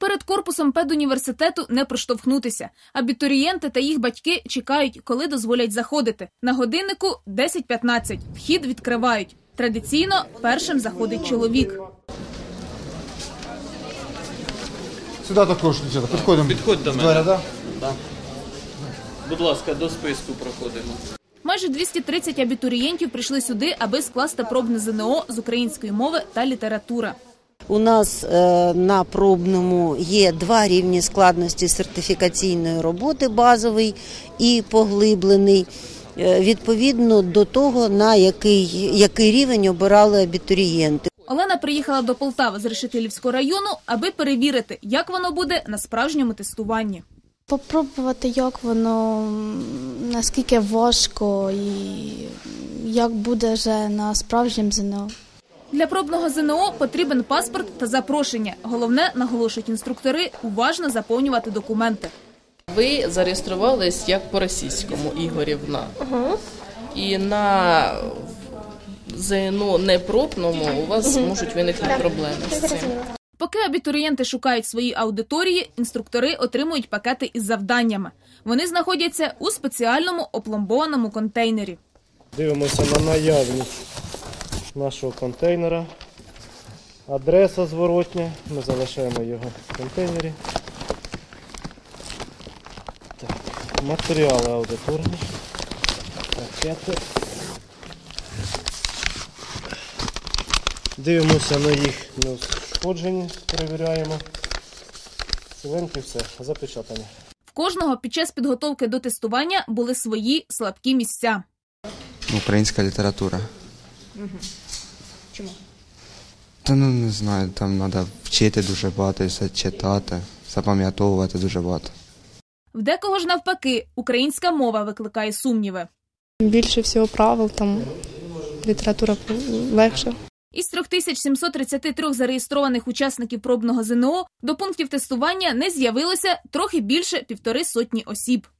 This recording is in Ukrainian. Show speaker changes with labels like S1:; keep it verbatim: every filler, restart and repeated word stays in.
S1: Перед корпусом педуніверситету не проштовхнутися. Абітурієнти та їх батьки чекають, коли дозволять заходити. На годиннику десять п'ятнадцять. Вхід відкривають. Традиційно першим заходить чоловік.
S2: Сюди також, дівчата, підходимо.
S3: Підходь до мене.
S2: Двері, да?
S3: Да. Будь ласка, до списку проходимо.
S1: Майже двісті тридцять абітурієнтів прийшли сюди, аби скласти пробне ЗНО з української мови та літератури.
S4: У нас е, на пробному є два рівні складності сертифікаційної роботи, базовий і поглиблений, е, відповідно до того, на який, який рівень обирали абітурієнти.
S1: Олена приїхала до Полтави з Решетилівського району, аби перевірити, як воно буде на справжньому тестуванні.
S5: Попробувати, як воно, наскільки важко і як буде вже на справжньому ЗНО.
S1: Для пробного ЗНО потрібен паспорт та запрошення. Головне, наголошують інструктори, уважно заповнювати документи.
S6: Ви зареєструвались як по-російському, Ігорівна. Угу. І на ЗНО непробному у вас можуть виникнути проблеми з цим.
S1: Поки абітурієнти шукають свої аудиторії, інструктори отримують пакети із завданнями. Вони знаходяться у спеціальному опломбованому контейнері.
S7: Дивимося на наявність нашого контейнера. Адреса зворотня. Ми залишаємо його в контейнері. Так. Матеріали аудиторні. Пакети. Дивимося на їх неушкоджені, перевіряємо. Ціленькі все, запечатані.
S1: В кожного під час підготовки до тестування були свої слабкі місця.
S8: Українська література.
S1: Угу. Чому?
S8: Та ну не знаю, там треба вчити дуже багато, все читати, запам'ятовувати дуже багато.
S1: В декого ж навпаки, українська мова викликає сумніви.
S5: Більше всього правил, там література легше.
S1: Із трьох тисяч сімсот тридцяти трьох зареєстрованих учасників пробного ЗНО до пунктів тестування не з'явилося трохи більше півтори сотні осіб.